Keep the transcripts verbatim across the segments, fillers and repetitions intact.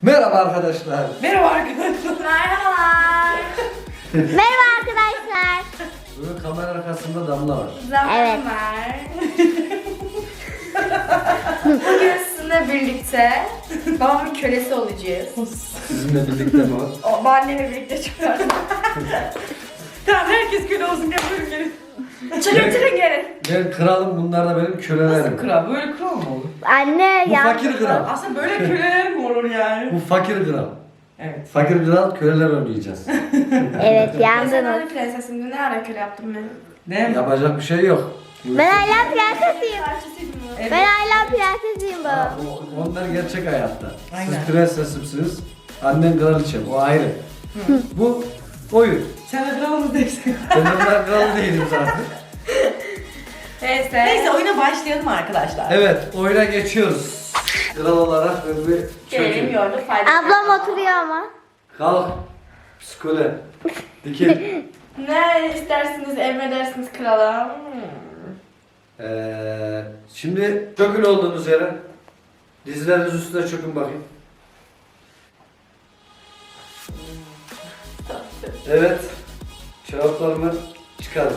Merhaba arkadaşlar. Merhaba arkadaşlar. Merhabalar. Merhaba arkadaşlar. Bugün kamera arkasında Damla var. Evet. Zamanlar. Bugün sizinle birlikte babamın kölesi olacağız. Sizinle birlikte mi var? O annemle birlikte çıkıyoruz. Tamam herkes köle olsun gel buyurun gelin. Çıkın çıkın gelin. Ben kralım, bunlar da benim Nasıl kölelerim. kral? Böyle kral mı olur? Anne Bu ya. fakir kral. Aslında böyle köleler mi olur yani? Bu fakir kral. Evet. Fakir kral, köleler oynayacağız. Evet Ben yandınız. öyle prensesim. Ne ara köle yaptım ben? Ne? Yapacak bir şey yok. Ben hala prensesiyim. Parçasıydım bu. Evet. Ben hala prensesiyim Ha, baba. o- Onlar gerçek hayatta. Aynen. Siz prensesimsiniz, annen kraliçem, o ayrı. Bu oyun. Sen de kralımız değilsin. Ben onlar kral değilim zaten. Neyse. Neyse oyuna başlayalım arkadaşlar. Evet, oyuna geçiyoruz. Kral olarak ben bir Gelelim çökeyim. yorduk fayda. Ablam oturuyor ama. Kalk. Psikole. Dikil. Ne istersiniz, emredersiniz kralım. Ee, şimdi çökün olduğunuz yere. Dizleriniz üstüne çökün bakayım. Evet. Çoraplarımı çıkarın.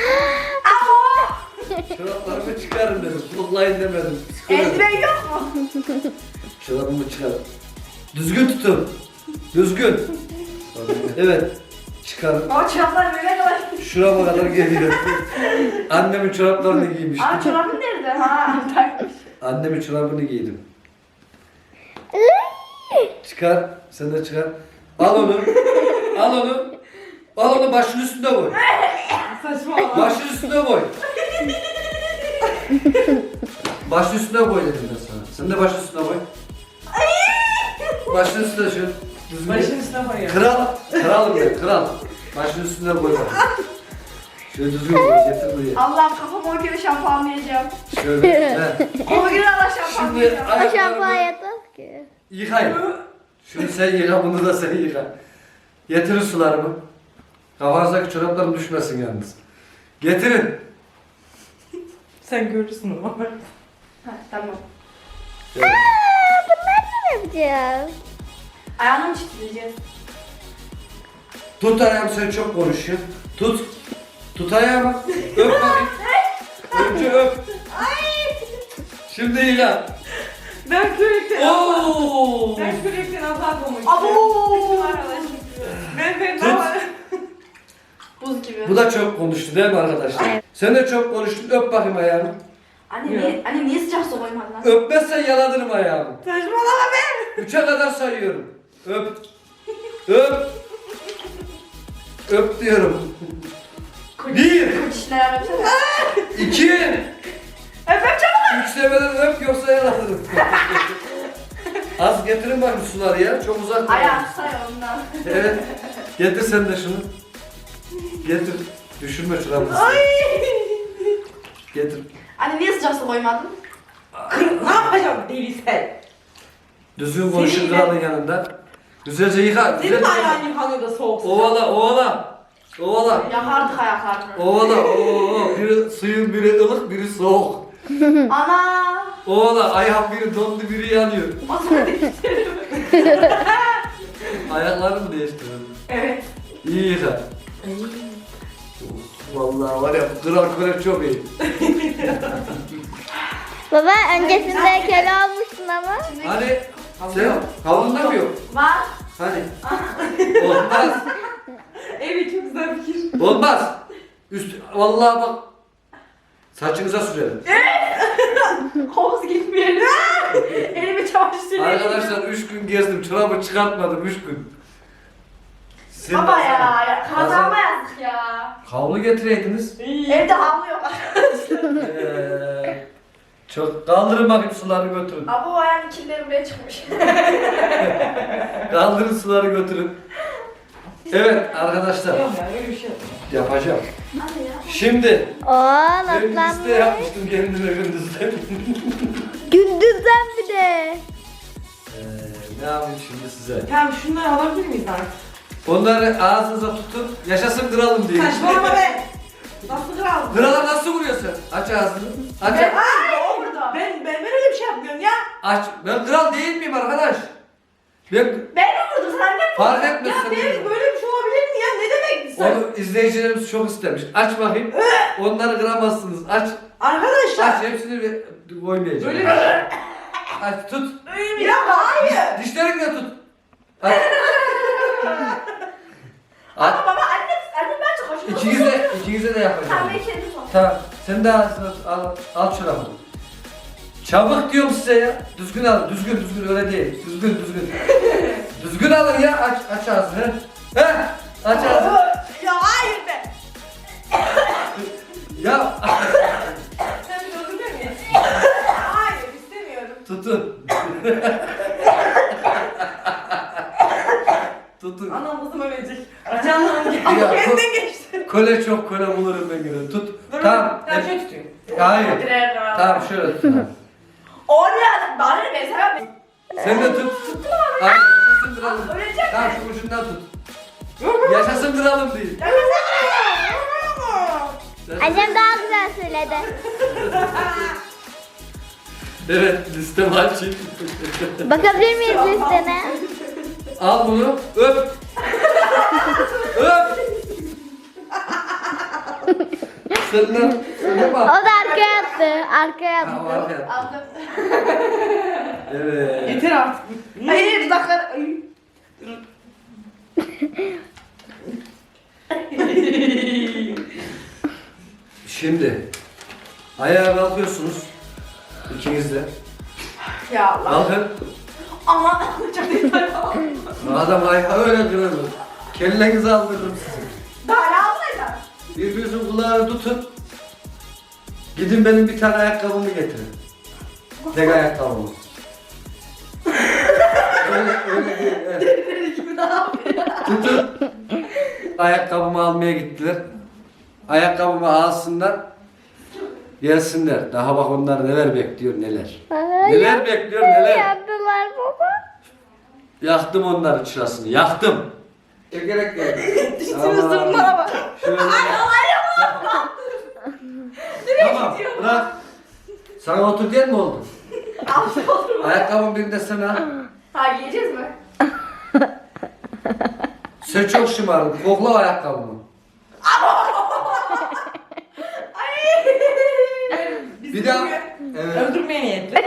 Çoraplarımı çıkarın dedim. Kulaklayın demedim. Psikoloji. Eldiven yok mu? Çorabımı çıkarın. Düzgün tutun. Düzgün. Evet. Çıkarın. Ama çoraplar böyle kadar. Şurama kadar geliyor. Annemin çoraplarını giymiştim. Aa çorabın nerede? Ha takmış. Annemin çorabını giydim. Çıkar. Sen de çıkar. Al onu. Al onu. Al onu başın üstünde koy. Saçmalama. Başın üstünde koy. Başın üstüne koy dedim ben sana. Sen de başın üstüne koy. Başın üstüne şu. Düzgün. Başın üstüne koyuyor. Kral. Kralım ben. Kral. Başın üstüne koy bak. Şöyle düzgün koy. Getir buraya. Allah'ım kafamı o kere şampuanlayacağım. Şöyle. He. O kere Allah Şimdi şampuanlayacağım. O şampuan ayaklarını yatmaz ki. yıkayın. Şunu sen yıka, bunu da sen yıka. Getirin sularımı. Kafanızdaki çoraplarım düşmesin yalnız. Getirin. Sen görürsün ama. Ha, tamam. Evet. Ne yapacağız? Ayağını mı çitleyeceğiz? Tut ayağımı, sen çok konuşuyorsun. Tut. Tut ayağımı. Öp bakayım. Önce öp. Şimdi yıka. Ben kürekten Oo. Ben kürekten azar koymuştum. Abo! Ben ben Tut. Buz gibi. Bu da çok konuştu değil mi arkadaşlar? Evet. Sen de çok konuştun. Öp bakayım ayağımı. Anne niye, anne niye sıcak su koymadın lan? Öpmezsen yaladırım ayağımı. Saçmalama be. Üçe kadar sayıyorum. Öp. Öp. Öp diyorum. Bir. Koç işler yapsana. İki. Efendim çabuk. Üç demeden öp yoksa yaladırım. Az getirin bakayım suları ya. Çok uzak. Ayağı say ondan. Evet. Getir sen de şunu. Getir. Düşürme çorabını. Ay. Getir. Anne niye sıcak su koymadın? Ne yapacağım deli sen? Düzgün konuşun Senin kralın yanında. Güzelce yıka. Senin Güzelce mi yıka. ayağın yıkanıyor da soğuk? Ovala, ovala. Ovala. Yakardık ayaklarını. Ovala. Oo. Biri suyun, biri ılık, biri soğuk. Ana. Ovala. Ayağım biri dondu, biri yanıyor. O zaman değiştirelim. Ayaklarımı değiştirin. Evet. İyi yıka. Vallahi var ya, kral köle çok iyi. Baba öncesinde köle olmuştun ama. Hani sen havlunda mı yok? Var. Hani? Olmaz. Evet çok güzel fikir. Olmaz. Üst, vallahi bak. Saçınıza sürelim. Havuz gitmeyelim. Elimi çamaşır Arkadaşlar üç gün gezdim, çorabı çıkartmadım üç gün. Sen Baba de- ya, ya kazanma yazdık ya. Havlu getireydiniz. Evde havlu yok. Ee, çok kaldırın bakayım, suları götürün. Abi o ayağın kirleri buraya çıkmış. Kaldırın suları götürün. Evet arkadaşlar, Yok ya öyle bir şey yok. yapacağım. Hadi ya. Şimdi Oo ben liste naslanmış. yapmıştım kendime gündüzden. Gündüzden bir de. Ee, ne yapayım şimdi size? Tamam şunları alabilir miyiz artık? Onları ağzınıza tutun, yaşasın kralım diye. Saçmalama be. Nasıl kral? Krala nasıl vuruyorsun? Aç ağzını. Aç. Ben, Ay, o burada. Ben, ben, ben öyle bir şey yapmıyorum ya. Aç. Ben kral değil miyim arkadaş? Ben Ben mi vurdum sen ne fark Ya etmesin. Deniz böyle bir şey olabilir mi ya? Ne demek sen? Onu izleyicilerimiz çok istemiş. Aç bakayım. Onları kıramazsınız. Aç. Arkadaşlar. Aç hepsini bir koymayacağım. Böyle bir... Aç tut. Ya hayır. Dişlerinle tut. Aç. Ama Aç. baba anne, anne ben çok hoşuma İkinize de, ikinize de yapacağım. Sen beni kendi sor. Tamam. Sen de al, al, al şuramı. Çabuk diyorum size ya. Düzgün alın. Düzgün düzgün öyle değil. Düzgün düzgün. Düzgün alın ya. Aç aç ağzını. He? Aç ağzını. Ya hayır be. Ya Sen bir öldürmüyor musun? Hayır istemiyorum. tutun. Tutun. Anam kızım ölecek. Canım Ya, bu- kendinden geçti. Kole çok kole bulurum ben gene. Tut. Dur, Tamam. Ben hep- şöyle tutayım. Hayır. Direğe Tamam şöyle tut. Tamam. Oraya bana ne ben sevmem. Sen de tut. Hayır. Yaşasın duralım. Ölecek. Tamam şu ucundan tut. Yaşasın duralım değil. Annem daha güzel söyledi. Evet liste açayım. Bakabilir miyiz listene? Al bunu öp. Öp. Sen de sen de O bak. da arkaya attı. Arkaya Ha, o attı. arkaya. Aldım. Evet. Yeter artık. Hayır dudaklar. Ay. Şimdi ayağa kalkıyorsunuz. İkiniz de. Ya Allah. Kalkın. Ama çok yeter. Adam ayağı öyle kırılır. Kellenizi aldırırım sizi. Daha ne alsaydın? Birbirinizin kulağını tutun. Gidin benim bir tane ayakkabımı getirin. Tek ayakkabımı. öyle, öyle değil. Evet. Gibi ne yapıyor? Tutun. Ayakkabımı almaya gittiler. Ayakkabımı alsınlar. Gelsinler. Daha bak onlar neler bekliyor neler. Ay, Neler bekliyor neler. yaptılar baba. Yaktım onların çırasını. Yaktım. Çekerek geldim. Düştünüz durumlara bak. Şöyle. Tamam bırak. Sana otur diyen mi oldu? Al oturma. Ayakkabın birinde sana. Ha yiyeceğiz mi? Sen çok şımardın. Kokla o ayakkabımı. Bir daha. Evet. Öldürmeye niyetli.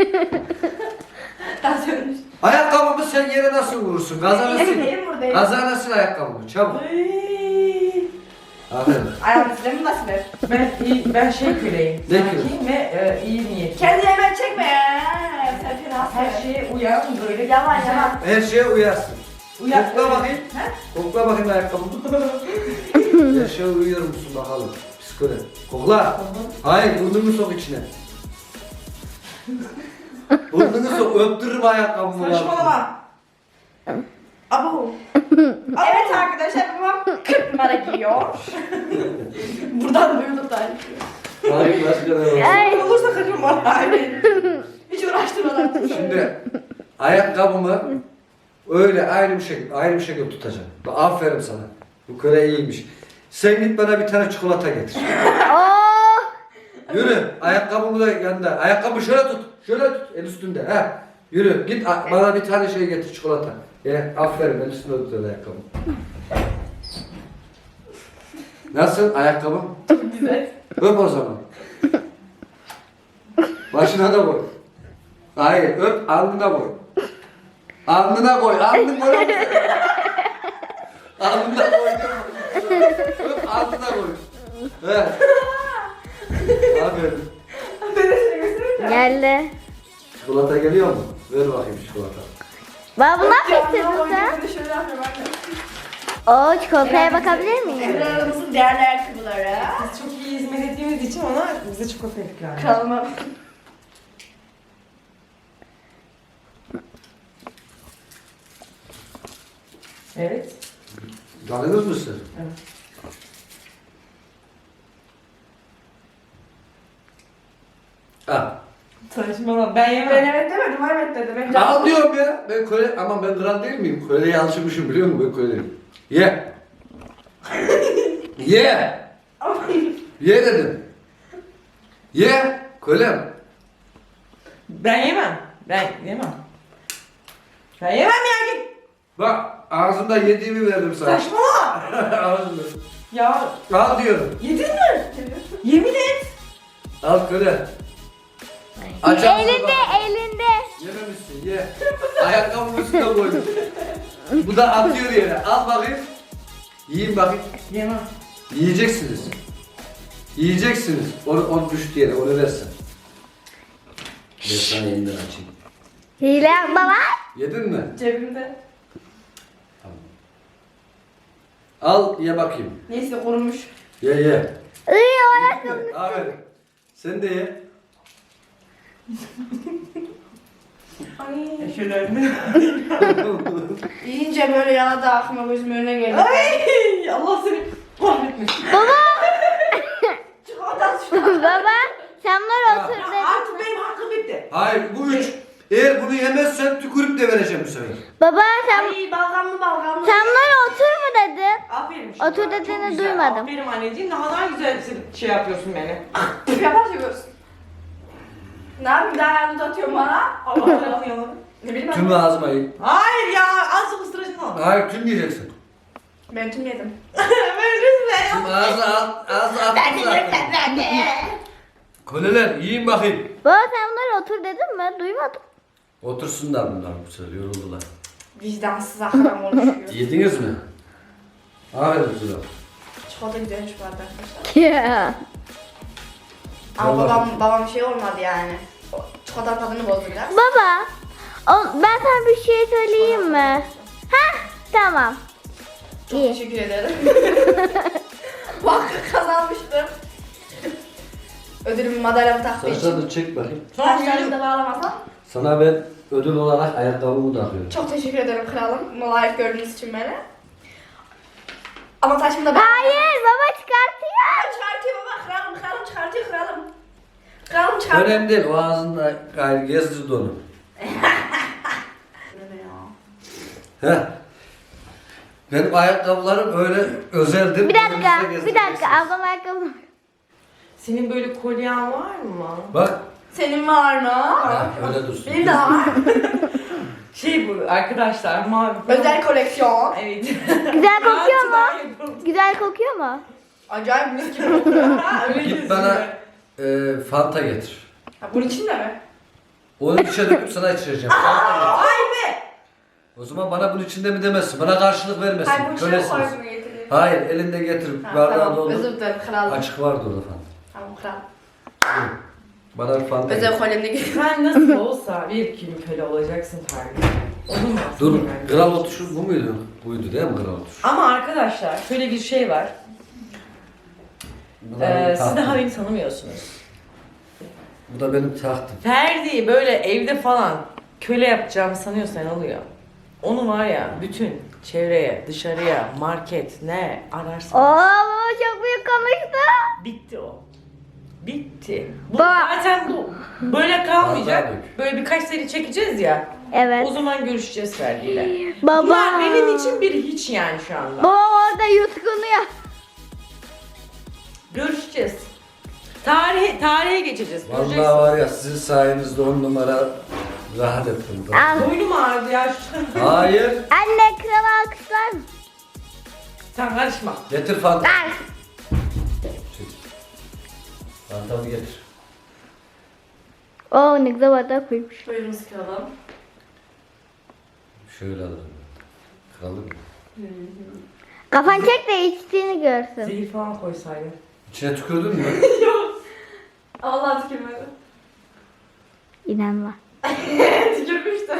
Daha söylemiş. Ayakkabımı sen yere nasıl vurursun? Kazanırsın. Elim buradayım. Kazanırsın ayakkabımı. Çabuk. Aferin. Ayağım sizlerin nasıl ver? Ben iyi, ben şey köleyim. Ne Sakin ve e, iyi niyetli. Kendini hemen çekme ya. Sen fena Her şeye uyan böyle. Yalan güzel- yalan. Her şeye uyarsın. Uyan. Kokla bakayım. He? Kokla bakayım ayakkabımı. Her şeye uyuyor musun bakalım. Psikoloji. Kokla. Hayır burnunu sok içine. Burnunu sok. Öptürürüm ayakkabımı. Saçmalama. Abo. Evet arkadaşlar babam kırk numara giyiyor. Buradan duyduk da. Hayır başka ne var? Ay. Olursa kırırım bana. Hiç uğraştırmadan. Şimdi ayakkabımı öyle aynı bir şekilde aynı bir şekilde tutacağım. Bak, aferin sana. Bu köre iyiymiş. Sen git bana bir tane çikolata getir. Oh. Yürü. Ayakkabımı da yanında. Ayakkabı şöyle tut. Şöyle tut. El üstünde. He. Yürü. Git a- bana bir tane şey getir çikolata. Ye. Aferin. El üstünde tut öyle ayakkabı. Nasıl ayakkabım? Güzel. Öp o zaman. Başına da koy. Hayır, öp alnına koy. Alnına koy, alnına koy. Alnına koy. Öp alnına koy. He. Aferin. Ben de seni göstereyim. Geldi. Çikolata geliyor mu? Ver bakayım çikolata. Baba ne yapıyorsun sen? Şöyle yapıyorum anne. Oo çikolataya bakabilir miyim? Emre'nin değerli ayakkabıları. Biz çok iyi hizmet ettiğimiz için ona bize çikolata ikram ediyor. Kanalıma. Evet. Tanıdınız mı siz? Evet. Al. Saçmalama ben yemem. Ben evet demedim, evet dedim. Ben Al diyorum ya. Ben köle, ama ben kral değil miyim? Köleye alışmışım biliyor musun? Ben köleyim. Ye. Ye. Ye dedim. Ye. Kölem. Ben yemem. Ben yemem. Ben yemem ya Bak ağzımda yediğimi verdim sana. Saçmalama. Ağzımda. Ya Al diyorum. yedin mi? Yemin et. Al köle. Aç ağzını Elinde bak. elinde. Yememişsin ye. Ayakkabımın üstüne koydum. Bu da atıyor yere. Al bakayım. Yiyin bakayım. Yemem. Yiyeceksiniz. Yiyeceksiniz. Onu, onu düştü yere. Onu versin. Ben sana elinden açayım. Hile yapma lan. Yedin mi? Cebimde. Tamam. Al ye bakayım. Neyse korunmuş. Ye ye. Iy o ayakkabı. Aferin. Sen de ye. Ay. Şöyle. Yiyince böyle yana da aklıma gözümün önüne geldi. Ay Allah seni kahretmesin. Çikolata çikolata. Baba sen var otur Ya dedim. artık benim hakkım bitti. Hayır bu üç. Eğer bunu yemezsen tükürüp de vereceğim bu sefer. Baba sen Ay balgamlı balgamlı. sen var otur mu dedin? Aferin. Otur Şuna, çok dediğini güzel. duymadım. Aferin anneciğim. Daha daha güzel şey yapıyorsun beni. Yapar seviyorsun. Ne yapayım daha yanında atıyorum bana. Allah tarafını yalan. Ne bileyim Tüm ben. ağzıma ye. Hayır ya azıcık ısıracaksın ama. Hayır tüm yiyeceksin. Ben tüm yedim. Böyle Tüm ağzı al, ağzı attım zaten. Köleler yiyin bakayım. Baba sen bunları otur dedin mi? Duymadım. Otursunlar bunlar bu sefer yoruldular. Vicdansız akram oluşuyor. Yediniz mi? Aferin size. Çikolata güzelmiş bu arada arkadaşlar. Ya. Ama Vallahi. babam, babam şey olmadı yani. O çikolata tadını bozdu biraz. Baba o, ben sana bir şey söyleyeyim mi? Ha tamam. Çok İyi. teşekkür ederim. Bak kazanmıştım. Ödülümü madalyamı taktığı için. Saçlarını çek bakayım. Saçlarımı da bağlamasam. Sana ben ödül olarak ayakkabımı da alıyorum. Çok teşekkür ederim kralım. Layık gördüğünüz için beni. Ama saçımı da Hayır baba çıkartıyor. Kralım çıkartıyor baba. Kralım kralım çıkartıyor kralım. Kralım çıkartıyor. Önemli değil o ağzında gayrı gezdirdi onu. Heh. Benim ayakkabılarım öyle özeldir. Bir dakika Önünüzde bir gezdireceksiniz. dakika ablam ayakkabı. Senin böyle kolyen var mı? Bak. Senin var mı? Ha, öyle dursun. Benim de var. Şey bu arkadaşlar mavi. Özel koleksiyon. Evet. Güzel kokuyor mu? Daha yapalım. Güzel kokuyor mu? Acayip mis gibi kokuyor. Ha, öyle Git gözüküyor. bana e, Fanta getir. Ha, bunun içinde mi? Onu içe döküp sana içireceğim. Fanta getir. Ay be! O zaman bana bunun içinde mi demezsin. Bana karşılık vermesin. Hayır bu içine Kölesiniz. koyduğunu getireyim. Hayır elinde getir. Ha, Bardağı tamam doldur. özür dilerim kralım. Açık vardı orada Fanta. Tamam kral. Buyurun. Bana bir Fanta Özel getir. kolyemde getir. Sen nasıl olsa bir gün köle olacaksın Tarık. Olur mu? Dur. Yani. Kral oturuşu bu muydu? Buydu değil mi kral oturuşu? Ama arkadaşlar şöyle bir şey var. Bu da benim Ee, siz tahtım. daha beni tanımıyorsunuz. Bu da benim tahtım. Ferdi'yi böyle evde falan köle yapacağımı sanıyorsan oluyor. Onu var ya bütün çevreye, dışarıya, market ne Oo ararsan baba çok büyük konuştu. bitti o. Bitti. Bu Baba. zaten bu. Böyle kalmayacak. Vallahi dök. Böyle birkaç seri çekeceğiz ya. Evet. O zaman görüşeceğiz Ferdi'yle. Baba. Bunlar benim için bir hiç yani şu anda. Baba orada yutkunuyor. Görüşeceğiz. Tarihe, tarihe geçeceğiz. Vallahi Göreceksiniz. var ya sizin sayenizde on numara rahat ettim. Al. Boynum ağrıdı ya. şu- Hayır. Anne kral alkışlar mı? Sen karışma. Getir Fanta. Al. Fantamı getir. Oo ne güzel bardak koymuş. Buyurunuz kralım. Şöyle alırım. Kralım. Kafan çek de içtiğini görsün. Zehir falan koysaydın. İçine tükürdün mü? Allah tükürmedi. İnanma. Tükürmüştüm.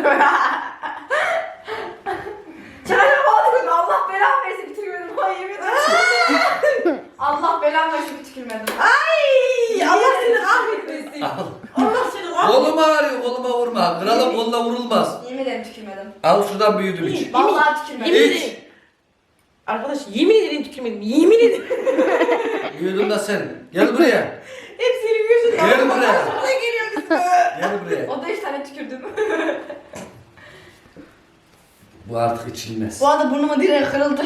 Çağırma tükürdüm. Allah belamı versin bir tükürmedim. Ay yemin ederim. Allah belamı versin bir tükürmedim. Ay Allah seni kahretmesin. Al. Allah seni kahretmesin. Kolum ağrıyor, koluma vurma. Kralın koluna vurulmaz. Yemin ederim tükürmedim. Al şuradan büyüdüm iç. Yemin- Vallahi tükürmedim. Yemin İç. ederim. Arkadaş yemin ederim tükürmedim. Yemin ederim. Büyüdüm de sen. Gel buraya. Hep senin yüzünden. Gel buraya. Bana geliyor üstüme. Gel buraya. O da üç tane tükürdüm. Bu artık içilmez. Bu arada burnuma direği kırıldı.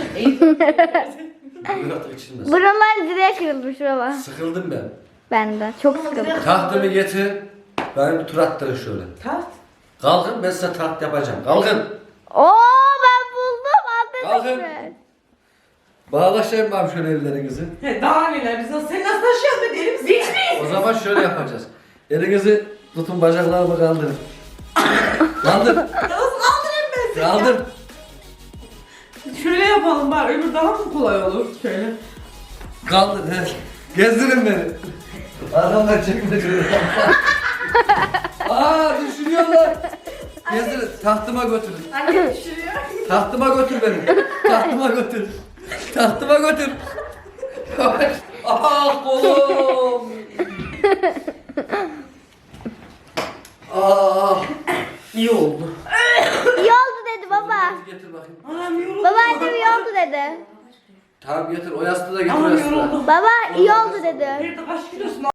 Bu artık içilmez. Buralar direğe kırılmış baba. Sıkıldım ben. Ben de çok sıkıldım. Tahtımı getir. Ben bir tur attırın şöyle. Taht. Kalkın ben size taht yapacağım. Kalkın. Oo ben Bakın. Bağlaşayım ben şöyle ellerinizi. He, daha neler biz nasıl, sen nasıl taşıyorsun be deli misin? Hiç mi? O zaman şöyle yapacağız. Elinizi tutun, bacaklarımı kaldırın. Kaldır. Nasıl kaldırayım ben seni Kaldır. ya? Şöyle yapalım bari, öbür daha mı kolay olur? Şöyle. Kaldır. He. Gezdirin beni. Arkamdan çekme şöyle. Aa düşürüyorlar. Gezdirin. Tahtıma götürün. Anne düşürüyor. Tahtıma götür beni. Tahtıma götür. Tahtıma götür. Ah kolum. Ah. İyi oldu. İyi oldu dedi baba. Getir bakayım. Anam yoruldum. Baba annem iyi oldu dedi. Tamam getir. O yastığı da getir o Anam yastığı. yoruldum. Baba iyi oldu dedi. Bir de kaç kilosun?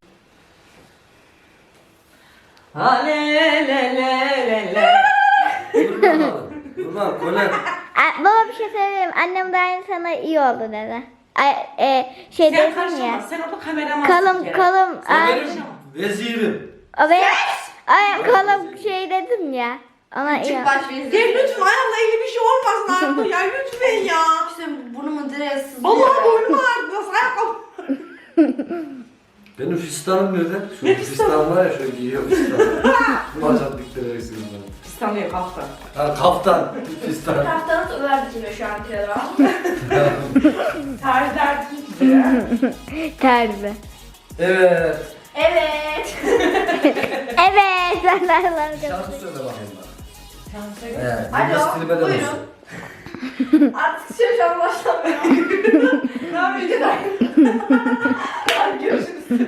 Ha le le le le le. Durma bakalım. Durma. Böyle. A- Baba bir şey söyleyeyim. Annem de aynı sana iyi oldu dedi. Ay, e, şey Sen dedim karışma. ya. Sen orada kameramansın. Kalım bir kere. kalım. Sen Ay, benim vezirim. o benim. Ay kalım şey dedim ya. Ona iyi. Çık baş bir. Gel lütfen ayağımla ilgili bir şey olmasın artık ya lütfen ya. İşte burnumun direği sızlıyor. Vallahi boynum ağrıdı nasıl ayakkabı. Benim fistanım nerede? Şu Ne fistan fistanı? var ya şöyle giyiyor fistan. Bacak dikleri eksiniz bana. İstanbul'a kalktı. Ha kaftan. Fistan. Haftanız Ömer dikiliyor şu an kere. Tarih derdi ki ya. Terbi. Evet. Evet. Evet. Ben de Allah'ım Şarkı söyle bakayım bana. Sen söyle. Evet. Alo, Alo. buyurun. Artık şey şu an başlamıyor. Ne yapıyorsun? Hadi görüşürüz.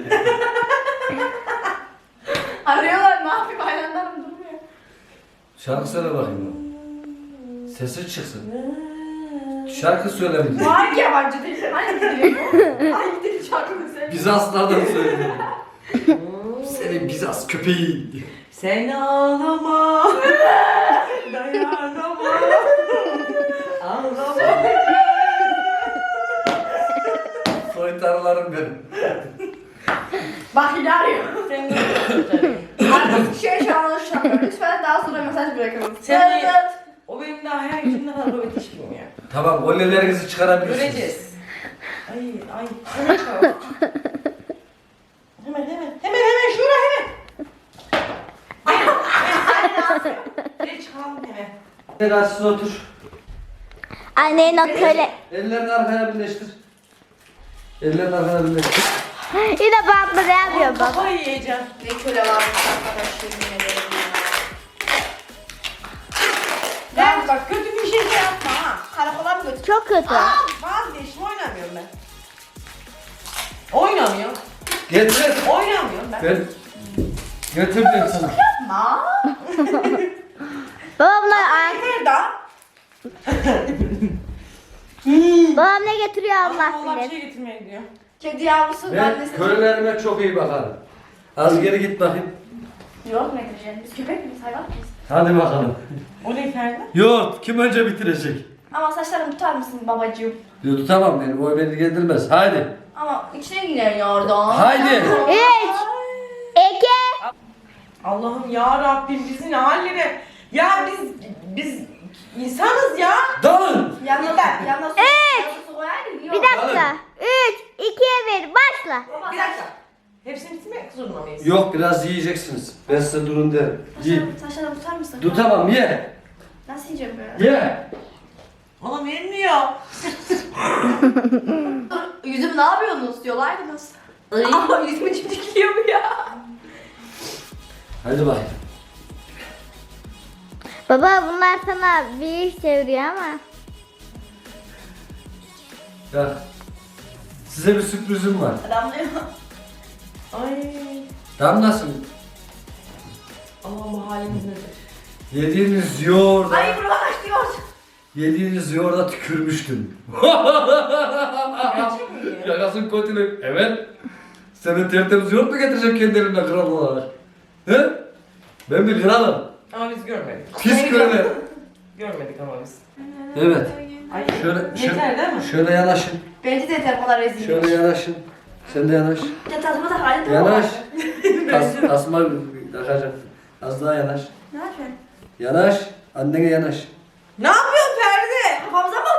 Arıyorlar ne yapayım hayranlarım durmuyor. Şarkı söyle bakayım bana. Sesi çıksın. Şarkı söyle bize. Bu hangi yabancı dil? Hangi dil bu? Hangi dil şarkını söylüyor? Bizanslardan söyle. Senin Bizans köpeğin. Sen ağlama. Dayanamam. Ağlama. Soytarılarım benim. Bak yine arıyor. Sen de tutarım. Artık şey şu an anlaşılamıyor. Lütfen daha sonra mesaj bırakın. Sen Evet. de- O benim daha hayal gücümde kadar böyle hiç bilmiyor. Tamam gollelerinizi çıkarabilirsiniz. Göreceğiz. Ay ay. Hemen çabuk. Hemen hemen. Hemen hemen şura hemen. Ay. Hemen. Gel çıkalım hemen. Biraz siz otur. Annenin o köle. Ellerini arkaya birleştir. Ellerini arkaya birleştir. Yine bantla ne yapıyor baba? Kafayı yiyeceğim. Ne köle varmış arkadaş yemin ederim ya. Ya bak kötü bir şey de yapma ha. Karakola mı götür? Çok kötü. Vazgeçtim oynamıyorum ben. Oynamıyorum. Getir. Oynamıyorum ben. Ben götürdüm sana. Ma. Babam ne, Nerede? babam ne getiriyor Allah Allah bir bilir. şey getirmeye gidiyor. Kedi yavrusu Ben annesi. kölelerime çok iyi bakarım. Az geri git bakayım. Yok ne diyeceksin? Biz köpek miyiz? Hayvan mıyız? Hadi bakalım. O ne Ferdi? Yok, kim önce bitirecek? Ama saçlarımı tutar mısın babacığım? Diyor tutamam beni, boy beni ilgilendirmez. Haydi. Ama içine girer ya oradan. Haydi. Üç. İki. Allah'ım ya Rabbim bizi ne hallere. Ya biz biz insanız ya. Dalın. Yanına Ben- yanına su, Evet. yanına su koyaydın. Yok. Bir dakika. Üç. ikiye bir. Başla. Baba, Bir dakika. Hepsini bitirmek zorunda mıyız? Yok, biraz yiyeceksiniz. Ben size durun derim. Yiyin. Saçlarımı, saçlarımı tutar mısın? Tutamam, ye. Nasıl yiyeceğim böyle? Ye. Oğlum vermiyor. Dur, yüzümü ne yapıyorsunuz diyorlardınız. Ama yüzümü çimdikliyor bu ya. Hadi bakayım. Baba bunlar sana bir iş çeviriyor ama. Ya. Size bir sürprizim var. Adamlıyor. Ay. Damlasın. Allah'ım bu halimiz nedir? Yediğiniz yoğurda, Ay buradan aç diyor. yediğiniz yoğurda tükürmüştüm. Gerçek mi ya? Yakasın kötülük. Evet. Senin tertemiz yoğurt mu getireceğim kendi elimle kral olarak? He? Ben bir kralım. Ama biz görmedik. Pis köle. Görmedik ama biz. Evet. Ay. Şöyle, Yeter değil mi? şöyle, şöyle yanaşın. Bence de yeter bu kadar rezillik. Şöyle yanaşın. Sen de yanaş. Ya tadıma da halim de mi Yanaş. var? As, asma takacağım. Az daha yanaş. Ne yapıyorsun? Yanaş. Annene yanaş. Ne yapıyorsun Ferdi? Kafamıza mı oturacak?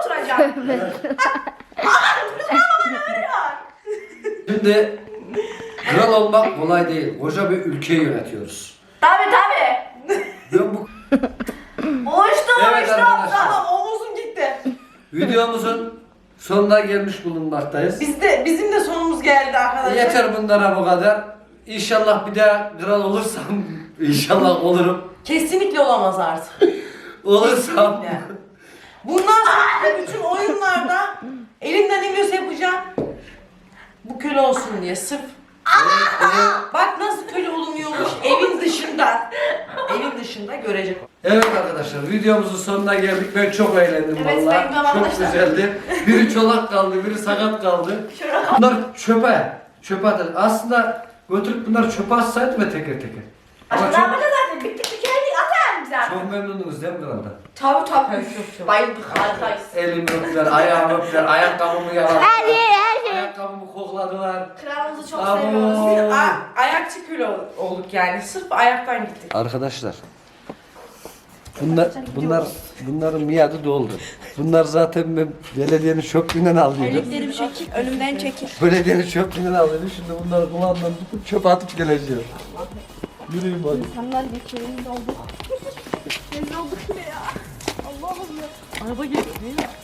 Şimdi kral olmak kolay değil. Koca bir ülkeyi yönetiyoruz. Tabi tabi. Ben bu Uçtum Evet uçtum. arkadaşlar. Tamam omuzum gitti. videomuzun sonuna gelmiş bulunmaktayız. Biz de, bizim de sonumuz geldi arkadaşlar. Yeter bunlara bu kadar. İnşallah bir daha kral olursam, inşallah olurum. Kesinlikle olamaz artık. Olursam. Kesinlikle. Bundan sonra bütün oyunlarda elimden ne geliyorsa yapacağım. Bu köle olsun diye sırf. Bak nasıl köle olunuyormuş evin dışında. Evin dışında görecek. Evet arkadaşlar, videomuzun sonuna geldik. Ben çok eğlendim Evet, vallahi. ben de Çok arkadaşlar. güzeldi. Biri çolak kaldı, biri sakat kaldı. Bunlar çöpe. Çöpe atın. Aslında götürüp bunları çöpe atsaydım ve teker teker. Ama Ne çok, yapacağız zaten? Bittik tükendik atar bize. çok memnunuz değil mi kraldan? Tabi tabi. Çok çok. Bayıldık harikayız. Elimi öptüler, ayağımı öptüler, ayakkabımı yaladılar. Her yer her şey. Ayakkabımı kokladılar. Kralımızı çok Abo. seviyoruz. A- ayakçı köle ol- olduk yani. Sırf ayaktan gittik. Arkadaşlar. Bunlar, bunlar, bunların miadı doldu. Bunlar zaten ben belediyenin çöplüğünden aldıydım. Elliklerimi çekil. Önümden çekil. Belediyenin çöplüğünden aldıydım. Şimdi bunları kulağından tutup çöpe atıp geleceğim. Yürüyün hadi. İnsanlar geçiyoruz olduk. Rezil olduk yine ya. Allah'ım ya. Araba geliyor değil mi?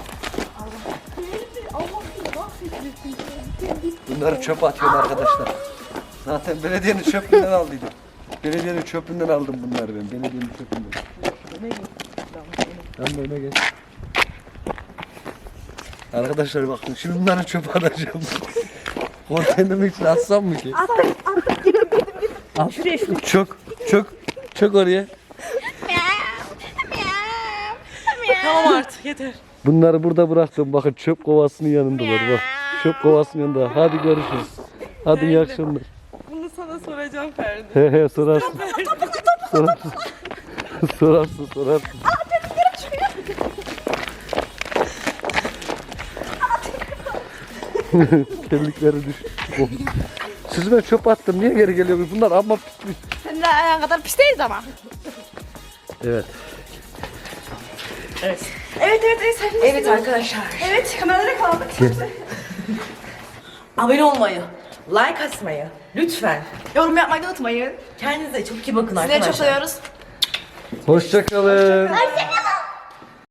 Allah'ım ya. Mahvetmesin. Bunları çöpe atıyorum arkadaşlar. Zaten belediyenin çöplüğünden aldıydım. Belediyenin çöplüğünden aldım bunları ben. Belediyenin çöplüğünden. Ben de öne geç. Arkadaşlar bakın şimdi bunları çöpe atacağım. Konteynerimi için atsam mı ki? Attık attık gittim gittim gittim. Al. Şuraya şuraya. Çok çok çok oraya. Tamam artık yeter. Bunları burada bıraktım. Bakın çöp kovasının yanındalar. Bak. Çöp kovasının yanında. Hadi görüşürüz. Hadi iyi akşamlar. Bunu sana soracağım Ferdi. He he sorarsın. Sorarsın. Sorarsın sorarsın. Terlikleri düş. Sizime çöp attım. Niye geri geliyorsunuz? Bunlar amma pismiş. Senin de ayağın kadar pis değiliz ama. Evet. Evet. Evet evet evet. Sen Evet arkadaşlar. Evet kameralara kaldık. Abone olmayı, like atmayı lütfen. Yorum yapmayı da unutmayın. Kendinize çok iyi bakın Sizleri arkadaşlar. çok seviyoruz. Hoşçakalın. Hoşçakalın.